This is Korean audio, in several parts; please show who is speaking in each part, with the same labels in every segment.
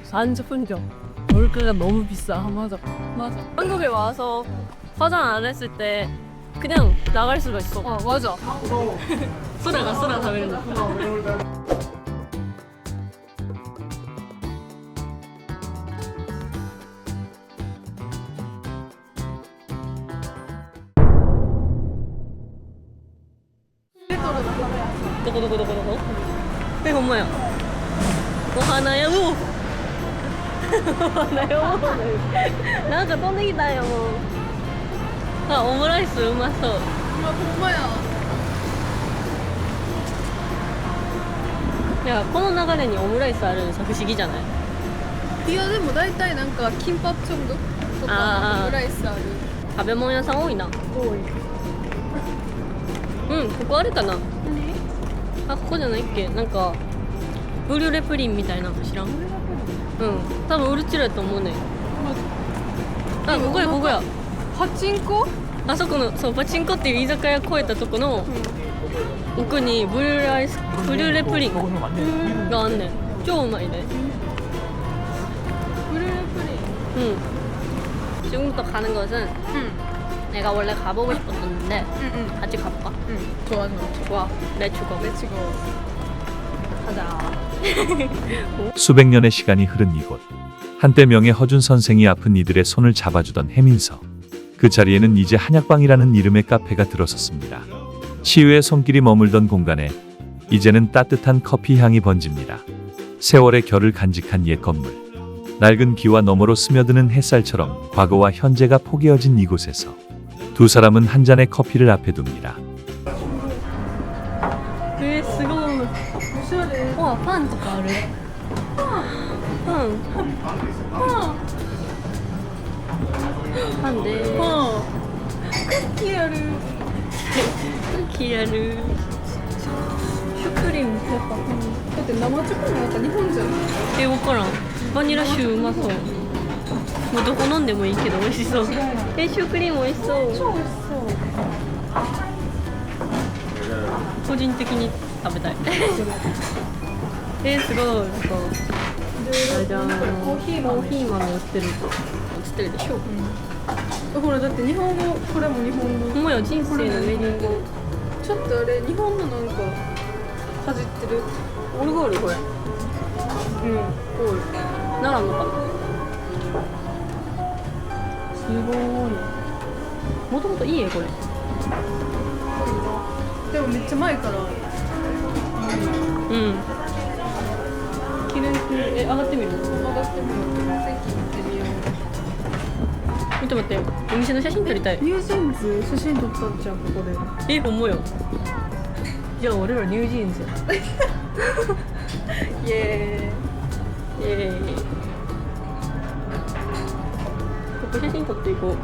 Speaker 1: 40분 전. 물가가 너무 비싸.
Speaker 2: 맞아.
Speaker 1: 한국에 와서 화장 안 했을 때 그냥 나갈 수가 있어.
Speaker 2: 맞아.
Speaker 1: 쓰라가食べるの. 도고? 네, 엄마야. 하나요? 하나요? なんか飛んできたよ。あ、オムライスうまそう。
Speaker 2: 정말야.
Speaker 1: 야, この流れにオムライスあるのさ不思議じゃない?
Speaker 2: いやでも大体なんかキンパチョンドとかオムライスある。
Speaker 1: 食べ物屋さん多いな。
Speaker 2: 多い。
Speaker 1: うん、ここあるかな。あ、ここじゃないっけ。なんかブリュレプリンみたいなの知らん？うん、多分ウルチラやと思うね。あ、ここや。
Speaker 2: パチンコ？
Speaker 1: あそこの、そう、パチンコっていう居酒屋越えたとこの奥にブリュレプリンがあんねん。超うまいね。
Speaker 2: 브루레프리.
Speaker 1: 지금부터 가는 것은 내가 원래 가보고 싶었었는데 같이 가볼까?
Speaker 2: 좋아.
Speaker 1: 좋아. 렛츠고. 가자.
Speaker 3: 수백 년의 시간이 흐른 이곳. 한때 명예 허준 선생이 아픈 이들의 손을 잡아주던 해민서. 그 자리에는 이제 한약방이라는 이름의 카페가 들어섰습니다. 치유의 손길이 머물던 공간에 이제는 따뜻한 커피 향이 번집니다. 세월의 결을 간직한 옛 건물. 낡은 기와 너머로 스며드는 햇살처럼 과거와 현재가 포개어진 이곳에서 두 사람은 한 잔의 커피를 앞에 둡니다.
Speaker 1: すごい。わ、パンとかある。パンで。
Speaker 2: 쿠키ある。
Speaker 1: 쿠키ある。シュクリームペッパー。
Speaker 2: だって生チョコなんか日本じゃない。
Speaker 1: わからん。バニラシューうまそう。もうどこ飲んでもいいけど美味しそう。シュークリーム美味しそう。
Speaker 2: 超美味しそう。
Speaker 1: 個人的に食べたい。すごい。なんかじゃん。コーヒー豆売ってるでしょ。
Speaker 2: ほらだって日本語、これも日本語。
Speaker 1: ほんまや、人生のメニュー語。
Speaker 2: ちょっとあれ日本のなんかかじってる。
Speaker 1: オルゴールこれ。ゴール。奈良のかな。すごい。もともといい絵これ。
Speaker 2: でもめっちゃ前から。
Speaker 1: 記念上がってみる。
Speaker 2: 上がってみよう。席行ってみよう。
Speaker 1: 見て待って、お店の写真撮りたい。
Speaker 2: ニュージーンズ写真撮ったんじゃんここで。
Speaker 1: ほんまよ。じゃあ俺らニュージーンズや。
Speaker 2: イエーイ。
Speaker 1: ここ写真撮っていこう。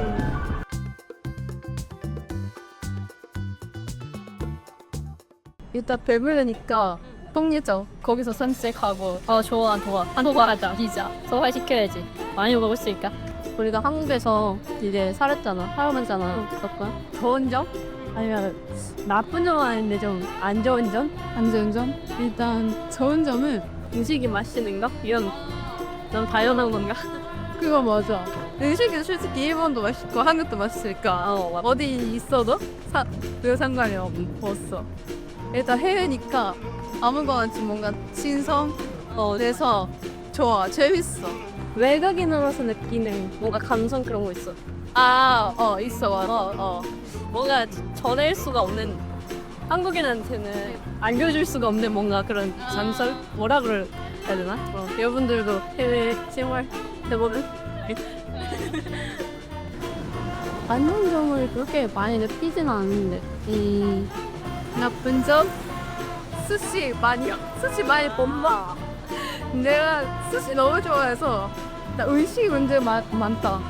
Speaker 2: 일단 배부르니까 통리죠. 거기서 산책하고.
Speaker 1: 좋아. 한국 하자.
Speaker 2: 피자.
Speaker 1: 소화시켜야지. 많이 먹을 수 있까? 우리가 한국에서 이제 살았잖아. 그렇구나.
Speaker 2: 좋은 점?
Speaker 1: 아니면 나쁜 점은 아닌데 좀 안 좋은 점?
Speaker 2: 안 좋은 점? 일단 좋은 점은
Speaker 1: 음식이 맛있는 거? 이건 너무 당연한 건가?
Speaker 2: 그거 맞아. 음식은 솔직히 일본도 맛있고 한국도 맛있으니까
Speaker 1: 맞아.
Speaker 2: 어디 있어도 별 상관이 없어. 일단 해외니까 아무거나 좀 뭔가 신선해서 좋아. 재밌어.
Speaker 1: 외국인으로서 느끼는 뭔가 감성 그런 거 있어.
Speaker 2: 있어. 맞아.
Speaker 1: 뭔가 전할 수가 없는, 한국인한테는 알려줄 수가 없는 뭔가 그런 전설? 뭐라 그래야 되나? 여러분들도 해외 생활 해보면 안 좋은 점을 그렇게 많이 느끼진 않는데.
Speaker 2: 나쁜 점? 스시 많이 못 먹어. 내가 스시 너무 좋아해서 나 의식 문제 많다.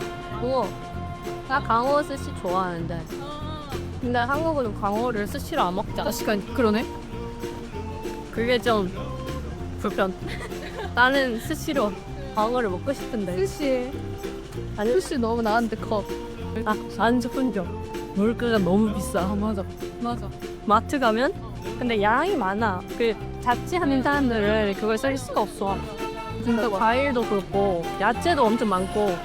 Speaker 1: 나 강어 스시 좋아하는데. 근데 한국은 강어를 스시로 안 먹잖아.
Speaker 2: 그러네.
Speaker 1: 그게 좀 불편. 나는 스시로 강어를 먹고 싶은데.
Speaker 2: 스시
Speaker 1: 아니,
Speaker 2: 스시 너무 나한테 커.
Speaker 1: 40분 전. 물가가 너무 비싸.
Speaker 2: 맞아.
Speaker 1: 마트 가면 근데 양이 많아. 그 자취하는 사람들은 그걸 쓸 수가 없어.
Speaker 2: 진짜 많아.
Speaker 1: 과일도 그렇고 야채도 엄청 많고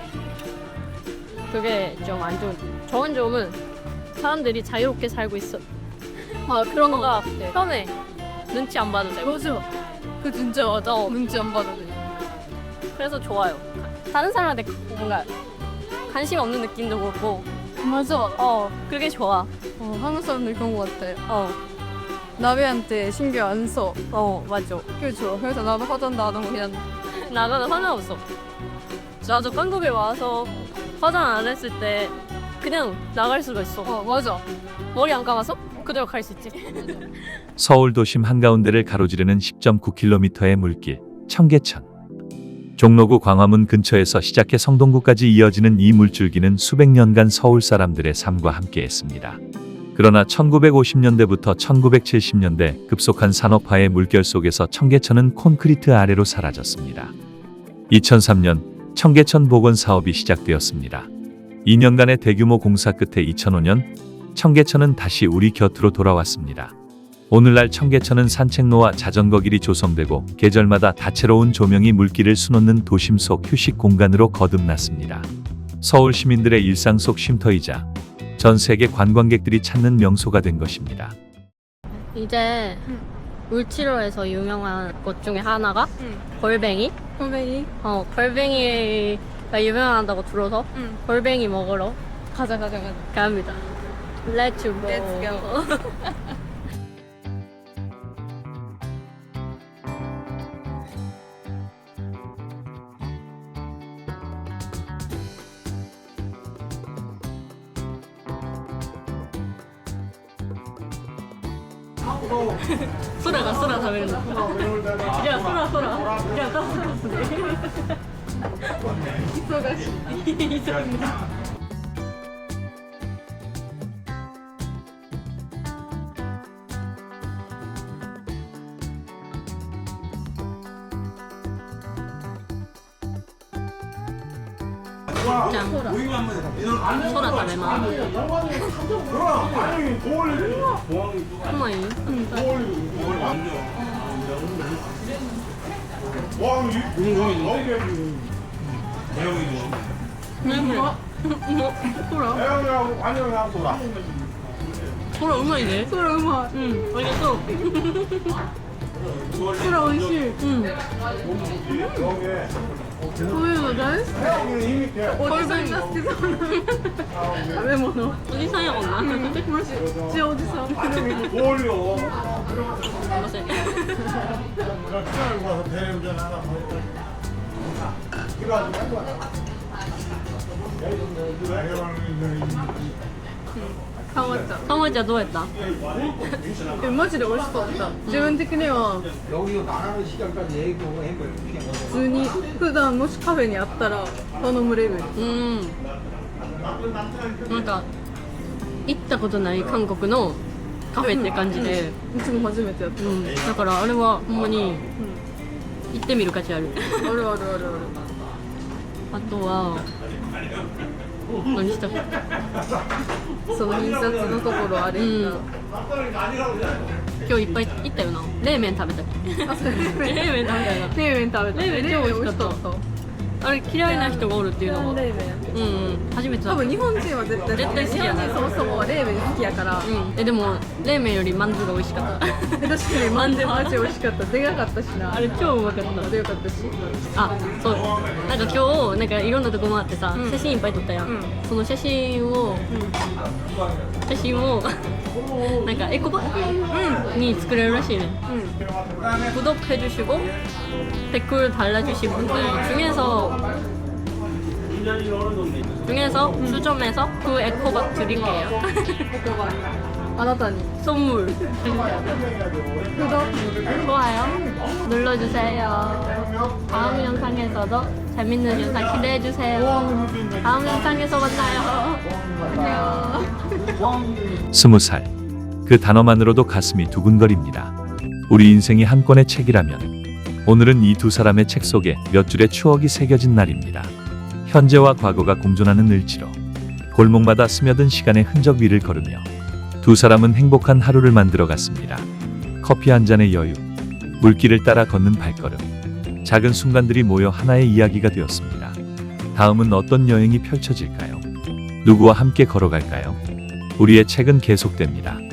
Speaker 1: 그게 좀 안 좋은 점은 사람들이 자유롭게 살고 있어.
Speaker 2: 아 그런 거
Speaker 1: 뭔가
Speaker 2: 같아.
Speaker 1: 편해. 눈치 안 봐도 되고.
Speaker 2: 맞아. 그 진짜 맞아. 눈치 안 봐도 돼.
Speaker 1: 그래서 좋아요. 다른 사람한테 뭔가 관심 없는 느낌도 그렇고
Speaker 2: 맞아.
Speaker 1: 그게 좋아.
Speaker 2: 한국 사람들 그런 거 같아.
Speaker 1: 어
Speaker 2: 나비한테 신경 안 써.
Speaker 1: 맞아.
Speaker 2: 그게 좋아. 그래서 나도 화장도 안 하고 그냥
Speaker 1: 나는 상관없어. 나도 한국에 와서 화장 안 했을 때 그냥 나갈 수가 있어.
Speaker 2: 맞아.
Speaker 1: 머리 안 감아서 그대로 갈 수 있지.
Speaker 3: 서울 도심 한가운데를 가로지르는 10.9km의 물길 청계천. 종로구 광화문 근처에서 시작해 성동구까지 이어지는 이 물줄기는 수백 년간 서울 사람들의 삶과 함께했습니다. 그러나 1950년대부터 1970년대 급속한 산업화의 물결 속에서 청계천은 콘크리트 아래로 사라졌습니다. 2003년 청계천 복원 사업이 시작되었습니다. 2년간의 대규모 공사 끝에 2005년 청계천은 다시 우리 곁으로 돌아왔습니다. 오늘날 청계천은 산책로와 자전거 길이 조성되고 계절마다 다채로운 조명이 물길을 수놓는 도심 속 휴식 공간으로 거듭났습니다. 서울 시민들의 일상 속 쉼터이자 전 세계 관광객들이 찾는 명소가 된 것입니다.
Speaker 1: 이제 울치로에서 유명한 곳 중에 하나가 골뱅이.
Speaker 2: 선배님.
Speaker 1: 골뱅이가 유명하다고 들어서 골뱅이 먹으러
Speaker 2: 가자.
Speaker 1: 갑니다. Let's go.
Speaker 2: Let's go.
Speaker 1: 소라가 소라食べるの。いや、ソラ。いや、多分ですね。忙しい。じゃん。ソラ食べます。うまい？ソラうまいね。
Speaker 2: ソラうまい。
Speaker 1: ありがとう。
Speaker 2: ソラ美味しい。そういうの大好き。おじさんが好きそうな食べ物。
Speaker 1: おじさんやもんな。
Speaker 2: マジ。じゃあおじさん。
Speaker 1: すいません。
Speaker 2: ハマった。
Speaker 1: ハマちゃんどうやった？
Speaker 2: マジで美味しかった自分的には普通に普段もしカフェにあったら頼むレベル
Speaker 1: なんか行ったことない韓国のカフェって感じで、
Speaker 2: いつも初めてやった
Speaker 1: だからあれはほんまに行ってみる価値ある。
Speaker 2: ある
Speaker 1: あとは何したっけ？
Speaker 2: その印刷のところあれ
Speaker 1: 今日いっぱい行ったよな。冷麺食べたっけ？冷麺食べたよな。
Speaker 2: 冷麺食べた。
Speaker 1: 冷麺超美味しかった。あれ嫌いな人がおるっていうのが
Speaker 2: 冷麺
Speaker 1: 初めてだった。
Speaker 2: 多分日本人は絶対
Speaker 1: 絶対好きやな。
Speaker 2: 日本人そもそも冷麺好きやから
Speaker 1: でも冷麺よりマンズが美味しかった。
Speaker 2: 確かにマンデマジ美味しかったでかかったしな
Speaker 1: あれ超うまかった。
Speaker 2: でよかったし
Speaker 1: あ、そう。なんか今日なんかいろんなとこ回ってさ、写真いっぱい撮ったやん。その写真をなんかエコバッグに作れるらしいね。구독해주시고 댓글 달아주신 분들 중에서 수점에서 그 에코박 드릴게요.
Speaker 2: あなたに
Speaker 1: 선물. 좋아요 눌러주세요. 다음 영상에서도 재밌는 영상 기대해주세요. 다음 영상에서 만나요. 안녕.
Speaker 3: 20살. 그 단어만으로도 가슴이 두근거립니다. 우리 인생이 한 권의 책이라면 오늘은 이 두 사람의 책 속에 몇 줄의 추억이 새겨진 날입니다. 현재와 과거가 공존하는 을지로 골목마다 스며든 시간의 흔적 위를 걸으며 두 사람은 행복한 하루를 만들어 갔습니다. 커피 한 잔의 여유, 물길을 따라 걷는 발걸음, 작은 순간들이 모여 하나의 이야기가 되었습니다. 다음은 어떤 여행이 펼쳐질까요? 누구와 함께 걸어갈까요? 우리의 책은 계속됩니다.